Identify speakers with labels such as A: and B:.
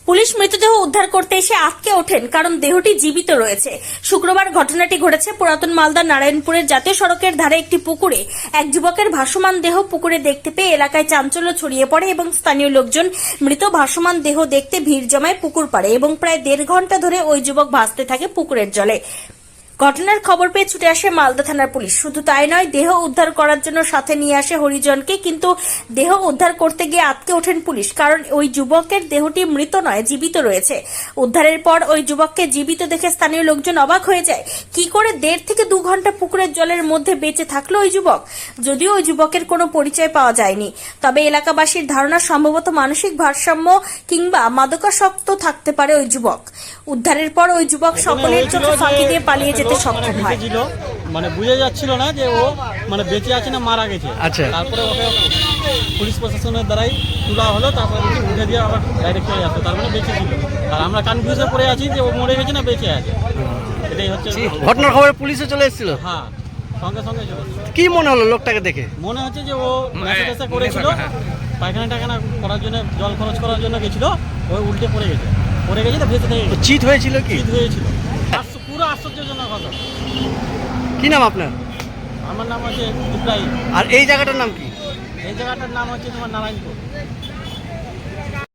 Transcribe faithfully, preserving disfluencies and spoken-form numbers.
A: Police মৃতদেহ উদ্ধার করতে এসে আটকে ওঠেন কারণ দেহটি জীবিত রয়েছে। শুক্রবার ঘটনাটি ঘটেছে পুরাতন মালদা নারায়ণপুরের জাতীয় সড়কের ধারে একটি পুকুরে। এক যুবকের ভাসমান দেহ পুকুরে দেখতে পেয়ে এলাকায় চাঞ্চল্য ছড়িয়ে পড়ে এবং স্থানীয় লোকজন মৃত ভাসমান দেহ দেখতে ভিড় জমায় পুকুর পাড়ে এবং প্রায় দেড় ঘন্টা ধরে ওই যুবক ভাসতে থাকে পুকুরের জলে। ঘটনার খবর পেয়ে ছুটে আসে মালদা থানার পুলিশ। শুধু তাই নয়, দেহ উদ্ধার করার জন্য সাথে নিয়ে আসে হরিজনকে, কিন্তু দেহ উদ্ধার করতে গিয়ে আটকে ওঠেন পুলিশ, কারণ ওই যুবকের দেহটি মৃত নয়, জীবিত রয়েছে। উদ্ধারের পর ওই যুবককে জীবিত দেখে স্থানীয় লোকজন অবাক হয়ে যায়। কি করে দেড় থেকে দু ঘন্টা পুকুরের জলের মধ্যে বেঁচে থাকলো ওই যুবক? যদিও ওই যুবকের কোনো পরিচয় পাওয়া যায়নি, তবে এলাকাবাসীর ধারণা সম্ভবত মানসিক ভারসাম্য কিংবা মাদকাসক্ত থাকতে পারে ওই যুবক। উদ্ধারের পর ওই যুবক সকলের চোখে ফাঁকি দিয়ে পালিয়ে যেতে সক্ষম হয়।
B: মানে বুঝে যাচ্ছিল না যে ও মানে বেঁচে আছে না মারা গেছে।
C: আচ্ছা,
B: তারপরে ওকে পুলিশ প্রশাসনের দ্বারাই তোলা হলো, তারপরে উঠে দিয়ে আবার ডাইরেক্ট চলে আসতো, তার মানে বেঁচে ছিল। আর আমরা কনফিউজে পড়ে আছি যে ও মরে গেছে না বেঁচে আছে। এটাই হচ্ছে
C: ঘটনার খবরে পুলিশে চলে এসেছিল।
B: হ্যাঁ, সঙ্গে সঙ্গে চলে এসেছিল।
C: কি মনে হলো লোকটাকে দেখে?
B: মনে হচ্ছে যে ও নেশা টেশা করেছিল, পায়খানা টাখানা করার জন্য, জল খরচ করার জন্য গেছিল, ও উল্টে পড়ে গেছে। পড়ে গেছে তো ভেসে থেকে গেছে।
C: চিট হয়েছিল কি?
B: চিট হয়েছিল। পুরো আশ্চর্যজনক কথা।
C: কি নাম আপনার?
B: আমার নাম হচ্ছে ইব্রাহিম।
C: আর এই জায়গাটার নাম কি?
B: এই জায়গাটার নাম হচ্ছে তোমার নারায়ণপুর।